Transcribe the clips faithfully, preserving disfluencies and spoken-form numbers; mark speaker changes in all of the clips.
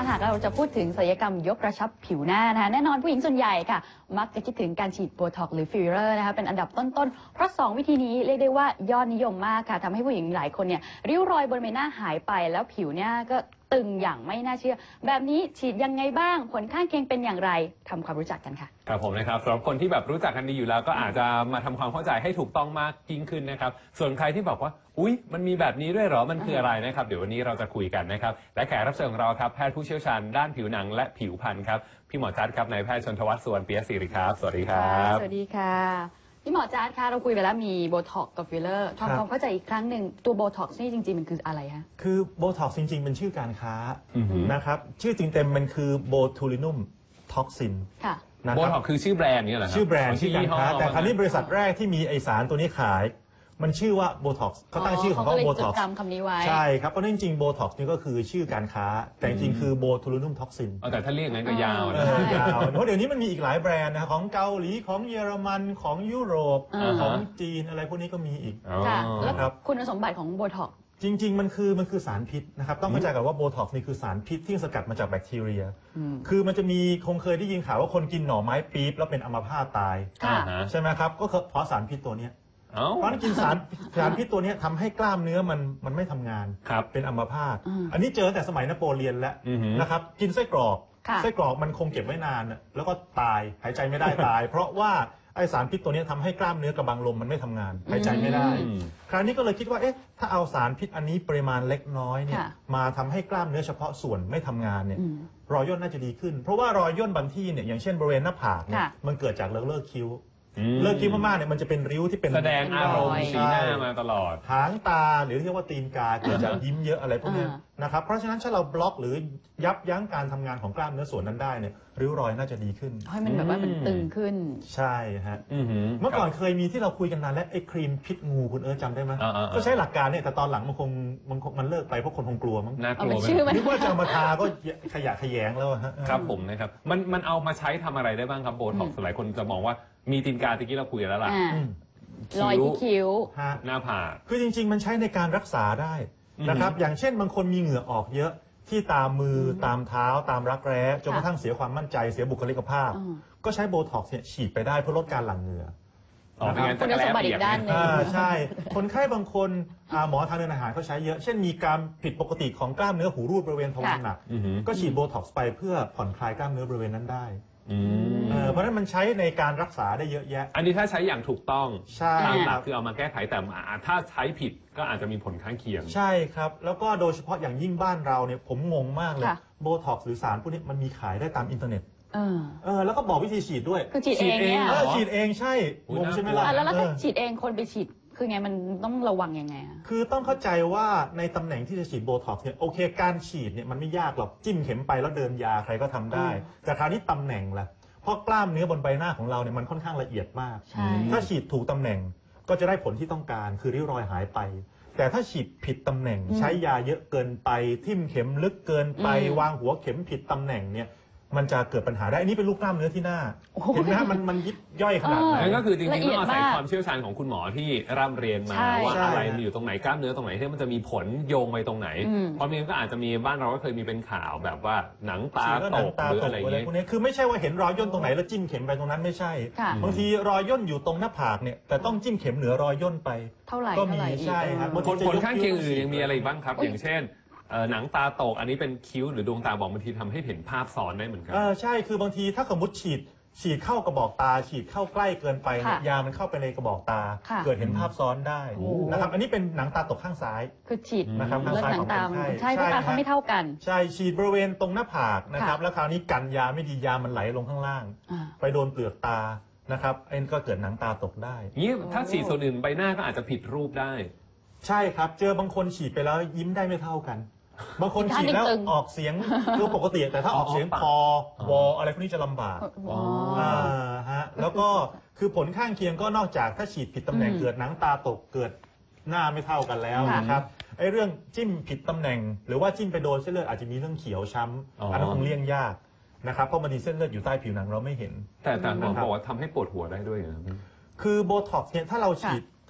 Speaker 1: หากเราจะพูดถึงศัลยกรรมยกกระชับผิวหน้านะคะแน่นอนผู้หญิงส่วนใหญ่ค่ะมักจะคิดถึงการฉีดโบท็อกซ์หรือฟิลเลอร์นะคะเป็นอันดับต้นๆเพราะสองวิธีนี้เรียกได้ว่ายอดนิยมมากค่ะทำให้ผู้หญิงหลายคนเนี่ยริ้วรอยบนใบหน้าหายไปแล้วผิวเนี่ยก็ตึงอย่างไม่น่าเชื่อแบบนี้ฉีดยังไงบ้างผลข้างเคียงเป็นอย่างไรทำความรู้จักกันค่ะ
Speaker 2: ครับผมนะครับสำหรับคนที่แบบรู้จักกันดีอยู่แล้วก็อาจจะมาทำความเข้าใจให้ถูกต้องมากยิ่งขึ้นนะครับส่วนใครที่บอกว่าอุ๊ยมันมีแบบนี้ด้วยเหรอมันคืออะไรนะครับเดี๋ยววันนี้เราจะคุยกันนะครับและแขกรับเชิญของเราครับแพทย์ผู้เชี่ยวชาญด้านผิวหนังและผิวพรรณครับพี่หมอจัดครับนายแพทย์ชนทวัฒน์สุวรรณเปียศิริครับสวัสดีครับ
Speaker 1: สวัสดีค่ะพี่หมอจัดค่ะเราคุยไปแล้วมีโบท็อกซ์กับฟิลเลอร์ทำความเข้าใจอีกครั้งหนึ่งตัวโบท็อกซ์นี่จริงๆมันคืออะไรฮะ
Speaker 3: คือโบท็อกซ์จริงๆเป็นชื่อการค้านะครับชื่อจริงเต็มมันคือโบทูลินุมท็อกซิน
Speaker 2: โบท็อกซ์คือชื่อแบรนด์นี่เหรอครับ
Speaker 3: ชื่อแบรนด์ชื่อการค้าแต่คราวนี้บริษัทแรกที่มีไอสารตัวนี้ขายมันชื่อว่าโบท็อกซ์เขาตั้งชื่อของเขาโบท็อกซ์
Speaker 1: คำนี้ไว้
Speaker 3: ใช่ครับเพราะจริงๆโบท็อกซ์นี่ก็คือชื่อการค้าแต่จริงๆคือโบทูลินุมท็อกซิน
Speaker 2: แต่ถ้าเรียกงั้นก็ยาวนะ
Speaker 3: ยาวเพราะเดี๋ยวนี้มันมีอีกหลายแบรนด์นะของเกาหลีของเยอรมันของยุโรปของจีนอะไรพวกนี้ก็มีอีก
Speaker 1: ค่ะแล้วคุณสมบัติของโบท็อกซ์
Speaker 3: จริงๆมันคือมันคือสารพิษนะครับต้องเข้าใจกันว่าโบท็อกซ์นี่คือสารพิษที่สกัดมาจากแบคทีเรียคือมันจะมีคงเคยได้ยินข่าวว่าคนกินหน่อไม้ปี๊บแล้วเป็นอัมพาตตายใช่ไหมครับก็เพราะสารพิษตัวนี้เพราะกินสารสารพิษตัวนี้ทำให้กล้ามเนื้อมันมันไม่ทำงานเป็นอัมพาตอันนี้เจอแต่สมัยนโปเลียนแล้วนะครับกินไส้กรอกไส้กรอกมันคงเก็บไว้นานแล้วก็ตายหายใจไม่ได้ตายเพราะว่าไอสารพิษตัวนี้ทำให้กล้ามเนื้อกระบังลมมันไม่ทำงานหายใจไม่ได้คราวนี้ก็เลยคิดว่าเอ๊ะถ้าเอาสารพิษอันนี้ปริมาณเล็กน้อยเนี่ยมาทำให้กล้ามเนื้อเฉพาะส่วนไม่ทำงานเนี่ยรอยย่นน่าจะดีขึ้นเพราะว่ารอยย่นบางที่เนี่ยอย่างเช่นบริเวณหน้าผากเนี่ยมันเกิดจากเลิกเลิกคิ้วเลิกคิ้วมากๆเนี่ยมันจะเป็นริ้วที่เป็น
Speaker 2: แสดงอารมณ์สีหน้ามาตลอด
Speaker 3: หางตาหรือเรียกว่าตีนกาเกิดจากยิ้มเยอะอะไรพวกนี้นะครับเพราะฉะนั้นถ้าเราบล็อกหรือยับยั้งการทำงานของกล้ามเนื้อส่วนนั้นได้เนี่ยริ้วรอยน่าจะดีขึ้น
Speaker 1: ให้มันแบบว่ามันตึงขึ้น
Speaker 3: ใช่ฮะเมื่อก่อนเคยมีที่เราคุยกันนานแล้วไอ้ครีมพิษงูคุณเอิร์ธจำได้ไหมก็ใช้หลักการเนี่ยแต่ตอนหลังมันคงมันมันเลิกไปเพราะคนคงกลัวมั้ง
Speaker 2: น่ากลัว
Speaker 3: นึกว่าจะเอามาทาก็ขยะขยงแล้วฮะ
Speaker 2: ครับผมนะครับมันมันเอามาใช้ทำอะไรได้บ้างครับโบท็อกซ์หลายคนจะมองว่ามีตีนกาตะกี้เราคุยแล้วล่ะ
Speaker 1: รอยที่คิ้ว
Speaker 2: หน้าผาก
Speaker 3: คือจริงๆมันใช้ในการรักษาได้นะครับอย่างเช่นบางคนมีเหงื่อออกเยอะที่ตามมือตามเท้าตามรักแร้จนกระทั่งเสียความมั่นใจเสียบุคลิกภาพก็ใช้โบท็อกซ์ฉีดไปได้เพื่อลดการหลั่งเหงื่อ
Speaker 1: คุณสมบัติอีกด้านหนึ่ง
Speaker 3: ใช่คนไข้บางคนหมอทางเดินอาหารเขาใช้เยอะเช่นมีการผิดปกติของกล้ามเนื้อหูรูดบริเวณทวารหนักก็ฉีดโบท็อกซ์ไปเพื่อผ่อนคลายกล้ามเนื้อบริเวณนั้นได้เพราะฉะนั้นมันใช้ในการรักษาได้เยอะแยะ
Speaker 2: อันนี้ถ้าใช้อย่างถูกต้อง
Speaker 3: ใช่
Speaker 2: ตามหลักคือเอามาแก้ไขแต่ถ้าใช้ผิดก็อาจจะมีผลข้างเคียง
Speaker 3: ใช่ครับแล้วก็โดยเฉพาะอย่างยิ่งบ้านเราเนี่ยผมงงมากเลยโบท็อกซ์หรือสารพวกนี้มันมีขายได้ตามอินเทอร์เน็ตเออแล้วก็บอกวิธีฉีดด้วย
Speaker 1: คือฉีดเองเนี่ย
Speaker 3: ฉีดเองใช่งงใช่ไหมล่ะ
Speaker 1: แล้วถ้าฉีดเองคนไปฉีดคือไงมันต้องระวังยังไงอะ
Speaker 3: คือต้องเข้าใจว่าในตำแหน่งที่จะฉีดโบท็อกซ์เนี่ยโอเคการฉีดเนี่ยมันไม่ยากหรอกจิ้มเข็มไปแล้วเดินยาใครก็ทำได้แต่คราวนี้ตำแหน่งล่ะเพราะกล้ามเนื้อบนใบหน้าของเราเนี่ยมันค่อนข้างละเอียดมากถ้าฉีดถูกตำแหน่งก็จะได้ผลที่ต้องการคือริ้วรอยหายไปแต่ถ้าฉีดผิดตำแหน่งใช้ยาเยอะเกินไปทิ่มเข็มลึกเกินไปวางหัวเข็มผิดตำแหน่งเนี่ยมันจะเกิดปัญหาได้อันนี้เป็นลูกกล้ามเนื้อที่หน้าเห็นไหมมันมันยิบย่อยขนาดไหน
Speaker 2: นั่นก็คือจริงๆต้องอาศัยความเชี่ยวชาญของคุณหมอที่ร่ำเรียนมาว่าอะไรมีอยู่ตรงไหนกล้ามเนื้อตรงไหนที่มันจะมีผลโยงไปตรงไหนเพราะมันก็อาจจะมีบ้านเราก็เคยมีเป็นข่าวแบบว่าหนังตาตกหรืออะไรอย่างเงี้ย
Speaker 3: คือไม่ใช่ว่าเห็นรอยย่นตรงไหนแล้วจิ้มเข็มไปตรงนั้นไม่ใช่บางทีรอยย่นอยู่ตรงหน้าผากเนี่ยแต่ต้องจิ้มเข็มเหนือรอยย่นไป
Speaker 1: เท่าไหร่
Speaker 3: ก็มีใช่ครับ
Speaker 2: ผลข้างเคียงอื่นยังมีอะไรบ้างครับอย่างเช่นหนังตาตกอันนี้เป็นคิ้วหรือดวงตาบอกบางทีทำให้เห็นภาพซ้อนได้เหมือนกัน
Speaker 3: เออใช่คือบางทีถ้าสมมติฉีดฉีดเข้ากระบอกตาฉีดเข้าใกล้เกินไปยามันเข้าไปในกระบอกตาเกิดเห็นภาพซ้อนได้นะครับอันนี้เป็นหนังตาตกข้างซ้าย
Speaker 1: คือฉีด
Speaker 3: นะครับข้างซ้ายของคนไข้
Speaker 1: ใช่เพราะตาเขาไม่เท่ากัน
Speaker 3: ใช่ฉีดบริเวณตรงหน้าผากนะครับแล้วคราวนี้กันยาไม่ดียามันไหลลงข้างล่างไปโดนเปลือกตานะครับเอ็นก็เกิดหนังตาตกได้
Speaker 2: นี่ถ้าฉีดส่วนอื่นใบหน้าก็อาจจะผิดรูปได้
Speaker 3: ใช่ครับเจอบางคนฉีดไปแล้วยิ้มได้ไม่เท่ากันบางคนฉีดแล้วออกเสียงคือปกติแต่ถ้าออกเสียงพอวออะไรพวกนี้จะลำบากอ่าฮะแล้วก็คือผลข้างเคียงก็นอกจากถ้าฉีดผิดตำแหน่งเกิดหนังตาตกเกิดหน้าไม่เท่ากันแล้วนะครับไอ้เรื่องจิ้มผิดตำแหน่งหรือว่าจิ้มไปโดนเส้นเลือดอาจจะมีเรื่องเขียวช้ำอันนั้นคงเลี่ยงยากนะครับเพราะมันมีเส้นเลือดอยู่ใต้ผิวหนังเราไม่เห็น
Speaker 2: แต่แต่หมอบอกว่าทำให้ปวดหัวได้ด้วยนะ
Speaker 3: คือโบท็อกซ์เนี่ยถ้าเราฉีด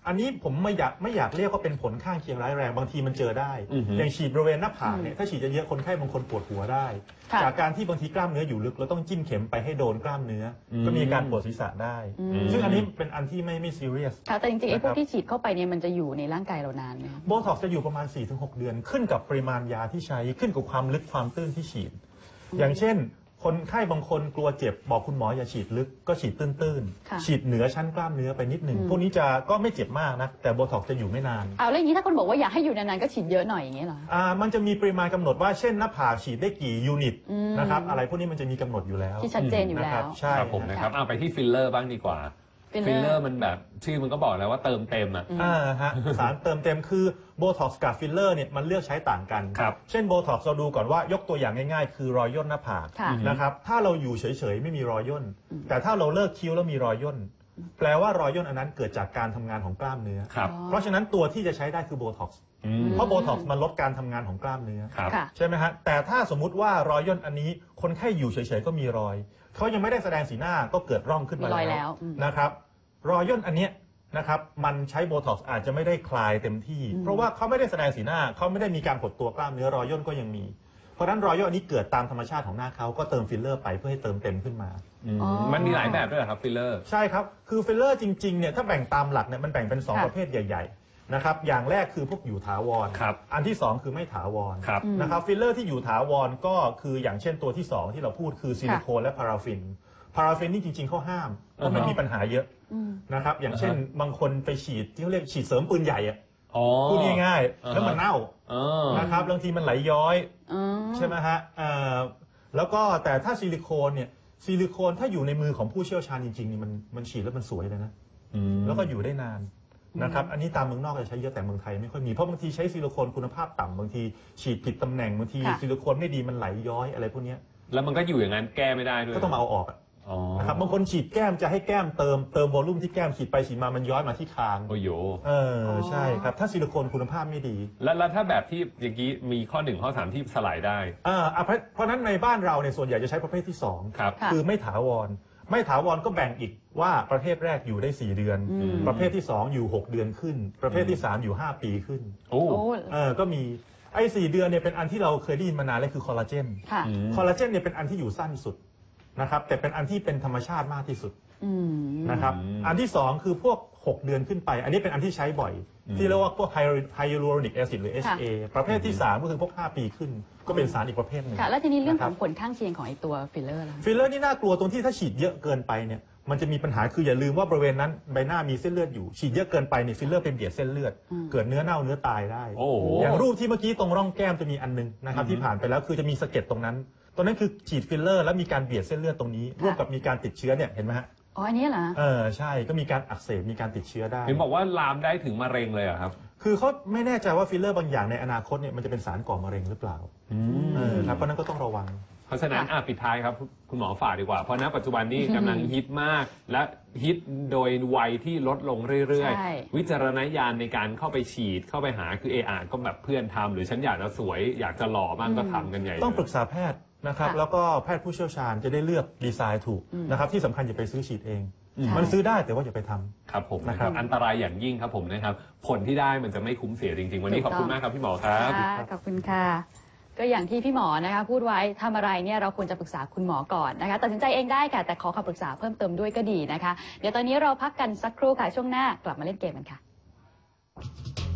Speaker 3: อันนี้ผมไม่อยากไม่อยากเรียกว่าเป็นผลข้างเคียงร้ายแรงบางทีมันเจอได้
Speaker 2: อือฮึ
Speaker 3: อย่างฉีดบริเวณหน้าผากเนี่ยถ้าฉีดเยอะๆคนไข้บางคนปวดหัวได้
Speaker 1: ค่ะ
Speaker 3: จากการที่บางทีกล้ามเนื้ออยู่ลึกเราต้องจิ้มเข็มไปให้โดนกล้ามเนื้ออ
Speaker 2: ม
Speaker 3: ก็มีการปวดศีรษะได้
Speaker 1: อืม
Speaker 3: ซึ่งอันนี้เป็นอันที่ไม่ไม่ซีเรียส
Speaker 1: ค่ะแต่จริงๆไอ้พวก
Speaker 3: นะครับ
Speaker 1: ที่ฉีดเข้าไปเนี่ยมันจะอยู่ในร่างกายเรานานไหม
Speaker 3: โบท็อกซ์จะอยู่ประมาณ สี่ถึงหก เดือนขึ้นกับปริมาณยาที่ใช้ขึ้นกับความลึกความตื้นที่ฉีด อย่างเช่น คนไข้บางคนกลัวเจ็บบอกคุณหมออย่าฉีดลึกก็ฉีดตื้น
Speaker 1: ค่ะ
Speaker 3: ๆฉีดเหนือชั้นกล้ามเนื้อไปนิดหนึ่ง
Speaker 1: อืม
Speaker 3: พวกนี้จะก็ไม่เจ็บมากนะแต่โบท็อกซ์จะอยู่ไม่นาน
Speaker 1: เอาแล้วอย่างนี้ถ้าคนบอกว่าอยากให้อยู่นานๆก็ฉีดเยอะหน่อยอย่างเงี้ยเหรอ
Speaker 3: อ่ามันจะมีปริมาณกำหนดว่าเช่นหน้าผากฉีดได้กี่ยูนิต
Speaker 1: อืม
Speaker 3: นะครับอะไรพวกนี้มันจะมีกำหนดอยู่แล้ว
Speaker 1: ที่ชัดเจนอยู่
Speaker 3: นะ
Speaker 1: แล้
Speaker 3: ครับ
Speaker 1: ว
Speaker 3: ใช่
Speaker 2: ครับผมนะครับเอาไปที่ฟิลเลอร์บ้างดีกว่า
Speaker 1: filler
Speaker 2: ฟิลเลอร์มันแบบชื่อมันก็บอกแล้วว่าเติมเต็มอ่ะ
Speaker 1: อืม
Speaker 3: อ่าฮะสารเติมเต็มคือโบท็อกซ์กับฟิลเลอร์เนี่ยมันเลือกใช้ต่างกัน
Speaker 2: ครับ
Speaker 3: เช่นโบท็อกซ์เราดูก่อนว่ายกตัวอย่างง่ายๆ คือรอยย่นหน้าผาก
Speaker 1: ค่ะ
Speaker 3: นะครับถ้าเราอยู่เฉยๆไม่มีรอยย่น แต่ถ้าเราเลิกคิ้วแล้วมีรอยย่น แปลว่ารอยย่นอันนั้นเกิดจากการทำงานของกล้ามเนื้อ
Speaker 2: ครับ
Speaker 1: อ๋อ
Speaker 3: เพราะฉะนั้นตัวที่จะใช้ได้คือโบท็อกซ์
Speaker 2: อืม
Speaker 3: เพราะโบท็อกซ์มันลดการทำงานของกล้ามเนื้อ
Speaker 2: ครับ
Speaker 1: ค่ะ
Speaker 3: ใช่ไหมฮะแต่ถ้าสมมุติว่ารอยย่นอันนี้คนไข้อยู่เฉยๆก็มีรอยเขายังไม่ได้แสดงสีหน้าก็เกิดร่องขึ้นมา
Speaker 1: มีรอยแล้วอืม
Speaker 3: นะครับรอยย่นอันเนี้ยนะครับมันใช้โบท็อกซ์อาจจะไม่ได้คลายเต็มที่
Speaker 1: อืม
Speaker 3: เพราะว่าเขาไม่ได้แสดงสีหน้าเขาไม่ได้มีการหดตัวกล้ามเนื้อรอยย่นก็ยังมี เพราะฉะนั้นรอยย่นอันนี้เกิดตามธรรมชาติของหน้าเขาก็เติมฟิลเลอร์ไปเพื่อให้เติมเต็มขึ้นมา
Speaker 2: อืม
Speaker 1: อ๋อ
Speaker 2: มันมีหลายแบบด้วยเหรอครับฟิลเลอร์
Speaker 3: ใช่ครับ คือฟิลเลอร์จริงๆ เนี่ย ถ้าแบ่งตามหลักเนี่ยมันแบ่งเป็น สอง
Speaker 1: ค่ะ
Speaker 3: ประเภทใหญ่ๆ นะครับ อย่างแรกคือพวกอยู่ถาวร
Speaker 2: ครับ
Speaker 3: อันที่ สอง คือไม่ถาวร
Speaker 2: ครับ
Speaker 1: อืม
Speaker 3: นะครับ ฟิลเลอร์ที่อยู่ถาวรก็คืออย่างเช่นตัวที่ สอง ที่เราพูดคือซิลิโคนและพาราฟิน พาราฟินนี่จริงๆเขาห้าม เพราะมัน
Speaker 2: อ่าฮะ
Speaker 3: มีปัญหาเยอะ
Speaker 1: อืม
Speaker 3: นะครับ อย่างเช่น บางคนไปฉีดที่เขาเรียกฉีดเสริมปืนใหญ่อะ
Speaker 2: อ๋อ
Speaker 3: พูดง่าย
Speaker 2: อ่าฮะ
Speaker 3: ๆ แล้วมันเน่า
Speaker 2: เออ
Speaker 3: นะครับบางทีมันไหลย้อย
Speaker 1: อ๋อ
Speaker 3: ใช่ไหมฮะเอ่อแล้วก็แต่ถ้าซิลิโคนเนี่ย ซิลิโคนถ้าอยู่ในมือของผู้เชี่ยวชาญจริงๆนี่มันมันฉีดแล้วมันสวยเลยนะ
Speaker 2: อืม
Speaker 3: แล้วก็อยู่ได้นานนะครับ อันนี้ตามเมืองนอกจะใช้เยอะแต่เมืองไทยไม่ค่อยมี เพราะบางทีใช้ซิลิโคนคุณภาพต่ำบางทีฉีดผิดตำแหน่งบางที
Speaker 1: ค่ะ
Speaker 3: ซิลิโคนไม่ดีมันไหลย้อยอะไรพวกเนี้ย
Speaker 2: แล้วมันก็อยู่อย่างนั้นแก้ไม่ได้ด้วย
Speaker 3: ก็ต้องมาเอาออกอะ
Speaker 2: อ๋อ
Speaker 3: นะครับบางคนฉีดแก้มจะให้แก้มเติมเติมวอลลุ่มที่แก้มฉีดไปฉีดมามันย้อยมาที่คาง
Speaker 2: โอ้โย
Speaker 3: เออใช่ครับถ้าซิลิโคนคุณภาพไม่ดี
Speaker 2: แล้วแล้วถ้าแบบที่อย่างนี้มีข้อหนึ่งข้อสามที่สลายได้
Speaker 3: อ่าอ่ะเพราะเพราะฉะนั้นในบ้านเราเนี่ยส่วนใหญ่จะใช้ประเภทที่สอง
Speaker 2: ครับ
Speaker 1: ค่ะ
Speaker 3: คือไม่ถาวร ไม่ถาวรก็แบ่งอีกว่าประเภทแรกอยู่ได้สี่เดือน
Speaker 1: อืม
Speaker 3: ประเภทที่สองอยู่หกเดือนขึ้น ประเภทที่สามอยู่ห้าปีขึ้น
Speaker 2: โอ้
Speaker 1: โอ้
Speaker 3: เออก็มีไอ้สี่เดือนเนี่ยเป็นอันที่เราเคยได้ยินมานานเลยคือคอลลาเจน
Speaker 1: ค่ะ
Speaker 2: อืม
Speaker 3: คอลลาเจนเนี่ยเป็นอันที่อยู่สั้นสุดนะครับแต่เป็นอันที่เป็นธรรมชาติมากที่สุด
Speaker 1: อืม
Speaker 3: นะครับ
Speaker 2: อืม
Speaker 3: อันที่สองคือพวกหกเดือนขึ้นไป อันนี้เป็นอันที่ใช้บ่อย
Speaker 2: อืม
Speaker 3: ที่เรียกว่าพวกไฮยูโรนิกแอซิดหรือ เอช เอ ประเภทที่สามก็คือพวกห้าปีขึ้น ก็เป็นสารอีกประเภทหนึ่ง
Speaker 1: ค่ะ แล้วทีนี้เรื่องข
Speaker 3: ะค
Speaker 1: อบ งผลข้างเคียงของไอ้ตัวฟิลเลอร์ล่ะ
Speaker 3: ฟิลเลอร์นี่น่ากลัวตรงที่ถ้าฉีดเยอะเกินไปเนี่ยมันจะมีปัญหาคืออย่าลืมว่าบริเวณนั้นใบหน้ามีเส้นเลือดอยู่ฉีดเยอะเกินไปเนี่ยฟิลเลอร์เป็นเบียดเส้นเลือด
Speaker 1: อืม
Speaker 3: เกิดเนื้อเน่าเนื้อตายได้
Speaker 2: โอ้โห
Speaker 3: อย่างรูปที่เมื่อกี้ตรงร่องแก้มจะมีอันนึงนะครับ
Speaker 2: อืม
Speaker 3: ที่ผ่านไปแล้วคือจะมีสะเก็ดตรงนั้น ตรงนั้นคือฉีดฟิลเลอร์แล้วมีการเบียดเส้นเลือดตรงนี้ ร่วมกับมีการติดเชื้อเนี่ยเห็นไหมฮะ
Speaker 1: อ๋ออันนี้เหรอ
Speaker 3: เออใช่ก็มีการอักเสบมีการติดเชื้อได้
Speaker 2: เห็นบอกว่าลามได้ถึงมะเร็งเลยเหรอครับ
Speaker 3: คือเขาไม่แน่ใจว่าฟิลเลอร์บางอย่างในอนาคตเนี่ยมันจะเป็นสารก่อมะเร็งหรือเปล่า
Speaker 2: อืม
Speaker 3: เออครับเพราะฉะนั้นก็ต้องระวัง
Speaker 2: เพราะฉะนั้นอ่ะปิดท้ายครับคุณหมอฝากดีกว่า เพราะณปัจจุบันนี้กำลังฮิตมาก และฮิตโดยวัยที่ลดลงเรื่อย
Speaker 1: ใช่
Speaker 2: ๆ วิจารณญาณในการเข้าไปฉีดเข้าไปหาคือเออาก็แบบเพื่อนทำหรือฉันอยากจะสวยอยากจะหล่อบ้างก็ทำกันใหญ่เลย
Speaker 3: ต้องปรึกษาแพทย์นะครับ
Speaker 1: ค่ะ
Speaker 3: แล้วก็แพทย์ผู้เชี่ยวชาญจะได้เลือกดีไซน์ถูก
Speaker 1: อืม
Speaker 3: นะครับที่สำคัญอย่าไปซื้อฉีดเอง
Speaker 2: อืม
Speaker 1: ใช่
Speaker 3: มันซื้อได้แต่ว่าอย่าไปทำ
Speaker 2: ครับผม
Speaker 3: นะครับ
Speaker 2: อันตรายอย่างยิ่งครับผมนะครับ ผลที่ได้มันจะไม่คุ้มเสียจริงๆ วันนี้ขอบคุณมากครับพี่หมอครับ
Speaker 1: ค่ะขอบคุณค่ะ ก็อย่างที่พี่หมอนะคะพูดไว้ทำอะไรเนี่ยเราควรจะปรึกษาคุณหมอก่อนนะคะตัดสินใจเองได้ค่ะแต่ขอคำปรึกษาเพิ่มเติมด้วยก็ดีนะคะ เดี๋ยวตอนนี้เราพักกันสักครู่ค่ะช่วงหน้ากลับมาเล่นเกมกันค่ะ